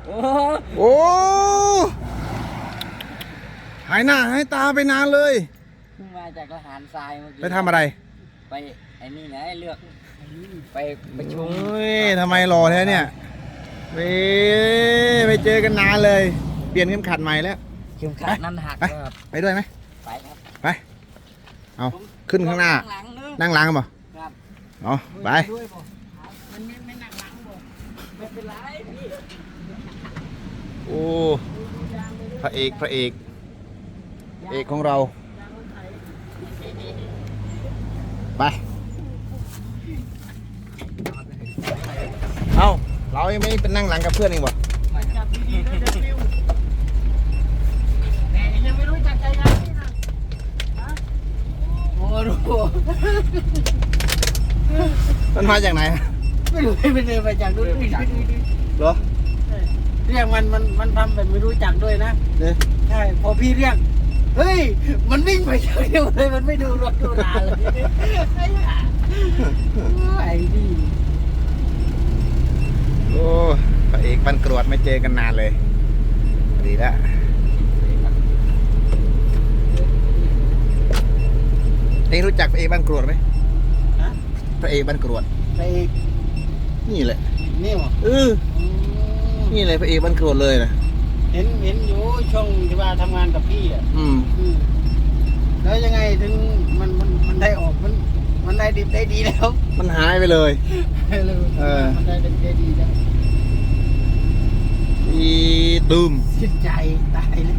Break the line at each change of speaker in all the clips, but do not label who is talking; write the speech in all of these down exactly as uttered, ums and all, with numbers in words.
โอ้
โอ้หายหน้าหายตาไปนานเลย
เพิ่งมาจากทหารทรายเมื่อกี้
ไปทำอะไร
ไปไอ้นี่ไงเลือกไปประชุม
โอ้ยทำไมรอแท้เนี่ยเว้ยไม่เจอกันนานเลย เปลี่ยนเข็มขัดใหม่แล้ว
เข็มขัดนั่นหัก
ไป
ครับ
ไปด้วยไหม
ไปครับ
ไปเอาขึ้นข้างหน้า
หลังนึง
นั่งหลังกันบ่
ครับ
เอาไป
ด้วยบ่มันไม่ไม่หนักหลังบ่ไม่เป็นไรพี่
โอ้พระเอกพระเอกเอกของเรา ไป เอาเรายังไม่เป็นนั่งหลังกับเพื่อนเองบ่
จับดีๆด้วยเดี๋ยวฟิวแต่ยังไม่รู้จักใจยังนี่นะฮะโอ้รู้
มันมาจากไหน
ไม่รู้ไม่เดินไปจากนู้น
เหรอ
เรียกมันมันมันทำแบบไม่รู้จักด้วยนะ
เนี่ย
ใช่พอพี่เรียกเฮ้ยมันวิ่งไปเฉยเลยมันไม่ดูรถดูลาเลยไอ้ห่าไอ้นี่
โอ้พระเอกบันกรวดไม่เจอกันนานเลย ดีแล้วเองรู้จักพระเอกบันกรวดไหม
ฮะ
พระเอกบันกรวด
ไป
นี่แหละ
นี่หรอ
เออนี่เลยพระเอกบันกรวดเลยนะ
เห็นเห็นอยู่ช่วงที่ว่าทำงานกับพี่อ่ะ
อืม
อืมแล้วยังไงถึงมันมันมันได้ออกมันมันได้ดีได้ดีแล้ว
มันหายไปเลย เออ
มันได้ดีได้ดีแล้ว
อีตูม
สิ้นใจตายแล้ว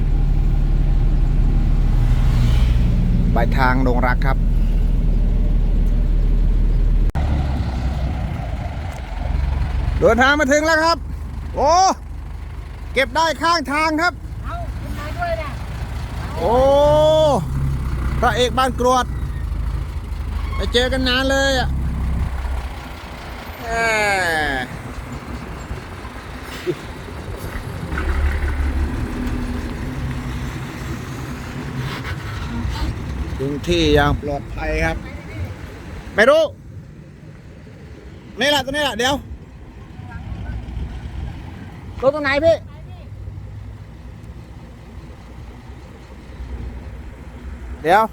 ปลายทางดงรักครับ เดินทางมาถึงแล้วครับ โอ้เก็บได้ข้างทางครับ
เอาคุณนายด้วยนะ
โอ้พระเอกบ้านกรวดไปเจอกันนานเลยอ่ะแหมถึงที่อย่างปลอดภัยครับ ไม่รู้นี่แหละตัวนี้แหละเดี๋ยวรถตรงไหนพี่ เดี๋ยว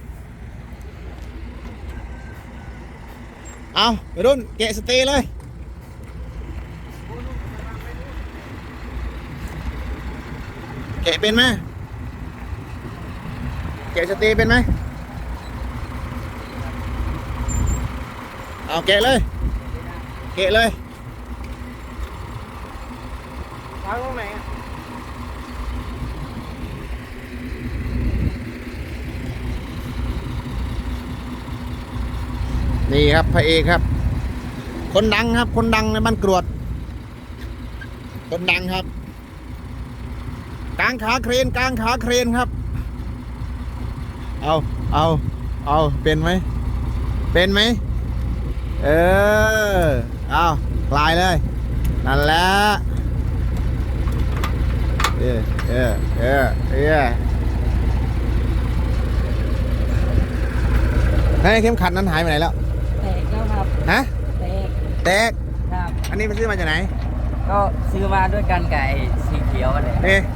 เอาไปรุ่นแกะสเตย์เลย แกะเป็นไหมแกะสเตย์เป็นไหมเอาแกะเลย แกะเลย
ทางตรงไหนอ่ะ
นี่ครับพระเอกครับ คนดังครับ คนดังในบ้านกรวด คนดังครับกางขาเครนกางขาเครนครับ เอาเอาเอาเป็นไหมเป็นไหมเออเอาคลายเลยนั่นแหละเออเออเออเออให้เข็มขัดนั้นหายไปไหนแล้ว
แตกแล้วครับ
ฮะ
แตก
แตก
ครับ
อันนี้ไปซื้อมาจากไหน
ก็ซื้อมาด้วยกันไก่สีเขียวอะไร
เอ๊ะ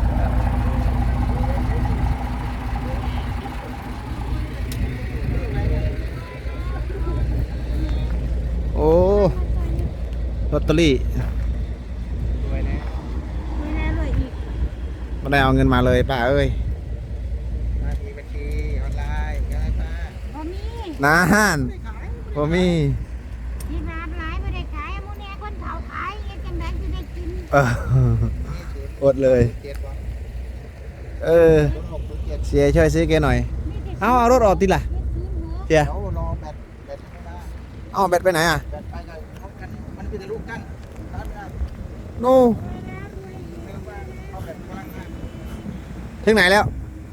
โอ้ลอตเตอรี่
สวยนะ
ไม่แน่เลยอีก
ไม่ได้เอาเงินมาเลยป้าเอ้ย
มาทีบัญชีออนไลน์ก็ได้ป้า
บ่มี
นานพอมี
ที่ร้านหลายไม่ได้ขายมื้อนี้คนเขาขายเฮ็ดจังได๋สิได้กิน
เอออดเลย
เจ็ดวัน
เออ
หกถึงเจ็ด
เสียช่วยซื้อแกหน่อย
มีแต่
เอาเอารถออกติล่ะ
เฮ็ดกินเหรอ
เสีย
เดี๋ยวรอแบตแบตไม่ได้
เอาแบตไปไหนอ่ะ
แบตไปกับเขากันมันเป็นแต่ลูกกั้นร้านไม่ได้
โน่
เรียกว่าเอาแบตพลังงาน
ถึงไหนแล้ว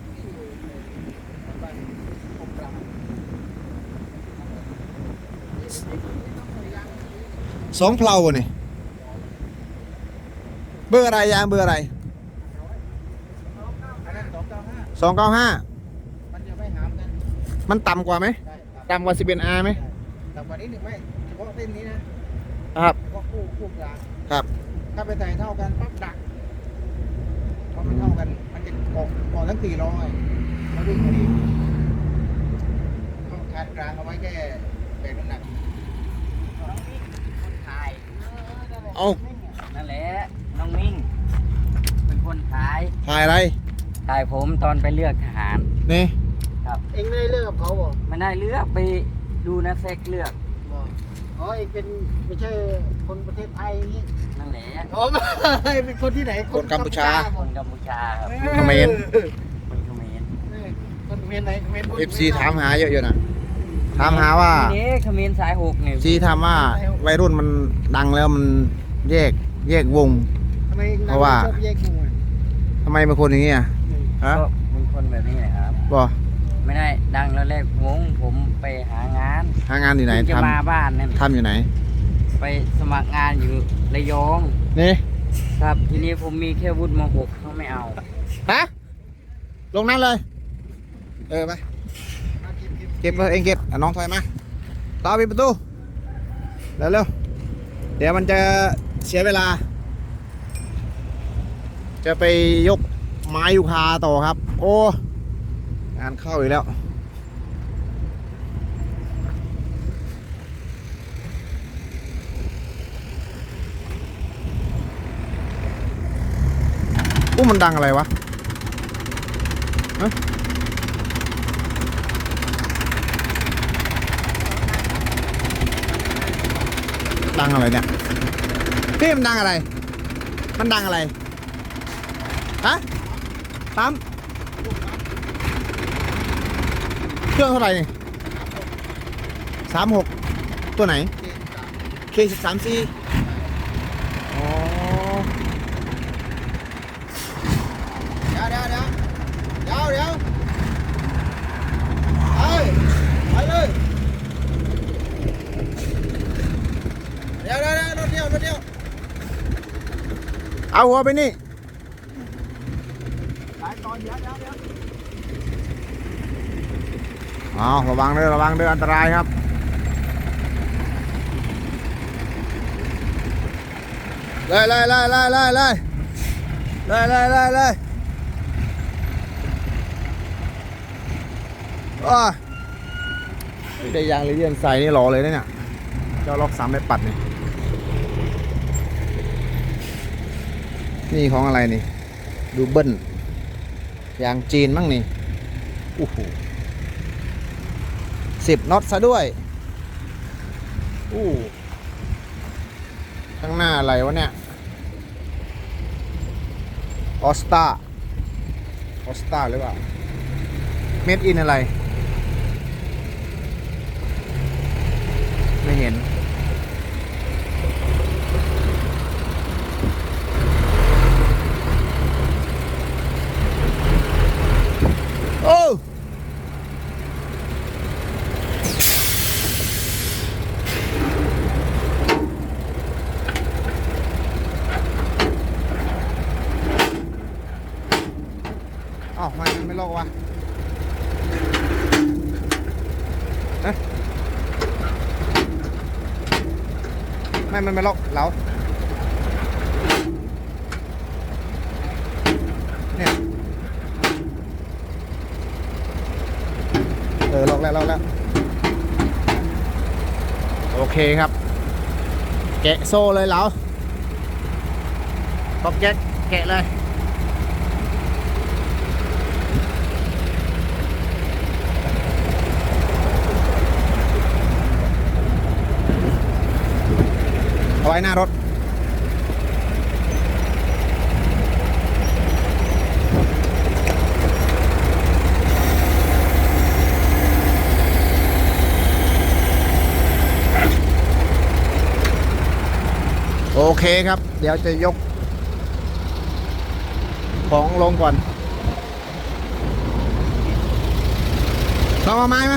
สองเพลาเนี่ยเบอร์อะไรยางเบอร์อะไร
อันนั้นสองเก้าห้า
สองเก้าห้า
มันจะไม่หามกัน
มันต่ำกว่าไหม
ได้ครับ
ต่ำกว่าสิบเอ็ดอาร์ไหม
แต่วันนี้หนึ่งไม่เฉพาะเส้นนี้นะครับ เฉพาะคู่คู่กลาง
ครับ
เ
ถ้าไปใส่เท่ากันปั๊บดักพอมันเท่ากันมันจะเกาะเกาะทั้งสี่ล้อไงแล้ววิ่งพอดีต้องคานกลางเอาไว้แค่แบกน้ำหนัก
คนถ่าย
เอา
นั่นแหละน้องมิ่งเป็นคนถ่าย
ถ่ายอะไร
ถ่ายผมตอนไปเลือกทหาร
นี่
ครับ
เองไม่ได้เลิกกับเขาบ่
ไม่ได้เลือกไปดูนะเซ็กเลือก
บ่อ๋อเองเป็นไม่ใช่คนประเทศไทยอย่างนี้
นั่นแหละ
อ๋อไม่เป็นคนที่ไหน
คนกัมพูชา
คนกัมพูชาครับ
เขมร
คนเขมร
เออคนเขมรไหนเขมร
เอฟซีถามหาเยอะอยู่นะถามหาว่า
นี่เขมรสายหกนี่
ซีถามว่าวัยรุ่นมันดังแล้วมันแยกแยกวง
ทำไมเอง
เพราะว่า
ชอบแยกวงอ่ะ
ทำไมเป็นคนอย่างนี้อ่ะฮะ
ก็เป็นคนแบบนี้นะครับ
บ่
ไม่ได้ดังแล้วแรกวงผมไปหางาน
หางานอยู่ไหน
เพิ่งจะ
ท
มาบ้านนั่น
ำทำอยู่ไหน
ไปสมัครงานอยู่ระยอง
นี่
ครับ ทีนี้ผมมีแค่วุฒิม .หก เขาไม่เอา
ฮะลงนั่นเลย เออไปเก็บเลยเองเก็บอ่ะน้องถอยมาต่อปิดประตูเร็วเร็วๆเดี๋ยวมันจะเสียเวลา จะไปยกไม้ยูคาต่อครับ โอ้งานเข้าอีกแล้วอู้มันดังอะไรวะฮะดังอะไรเนี่ยพี่มันดังอะไร มันดังอะไร ฮะปั๊มเครื่องเท่าไหร่นี่สามหกตัวไหน เคสิบสามซีอ๋อเดี๋ยวเดี๋ยวเดี๋ยวเดี๋ยวเดี๋ยวไปไปเลยเดี๋ยวเดี๋ยวเดี๋ยวรถเดียวรถเดียวเอาหัวไปนี่อ๋อระวังเด้อระวังเด้ออันตรายครับเลยเลยเลยเลยเลยเลยเลยเลยเลยเลยอ้าได้ยางเลยเยียนใส่นี่หล่อเลยนะเนี่ยเจ้าล็อกสามใบปัดนี่นี่ของอะไรนี่ดูเบิ้ลยางจีนมั้งนี่โอ้โหสิบน็อตซะด้วยอู้ข้างหน้าอะไรวะเนี่ยออสตาออสตาหรือเปล่าเมดอินอะไรไม่เห็นโอ้อ้าวทำไมมันไม่ลอกวะเอ๊ะไม่มันไม่ลอกเหลาเนี่ยเออลอกแล้วลอกแล้วโอเคครับแกะโซ่เลยเหลาปอกแก๊กแกะเลยเอาไว้หน้ารถโอเคครับเดี๋ยวจะยกของลงก่อนต้องเอาไม้ไหม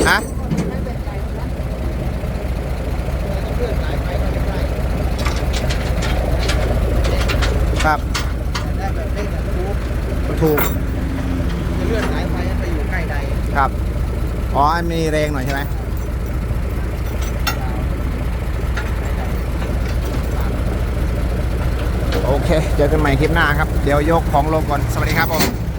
ฮะ
เลื่อนสายไฟก็ได้
ครับ
ได้แบบเร่งแบบถูก
ถูก
จะเลื่อนสายไฟให้ไปอยู่ใกล้ใด
ครับ อ๋อมีแรงหน่อยใช่ไหมโอเค เจอกันใหม่คลิปหน้าครับ เดี๋ยวยกของลงก่อน สวัสดีครับผม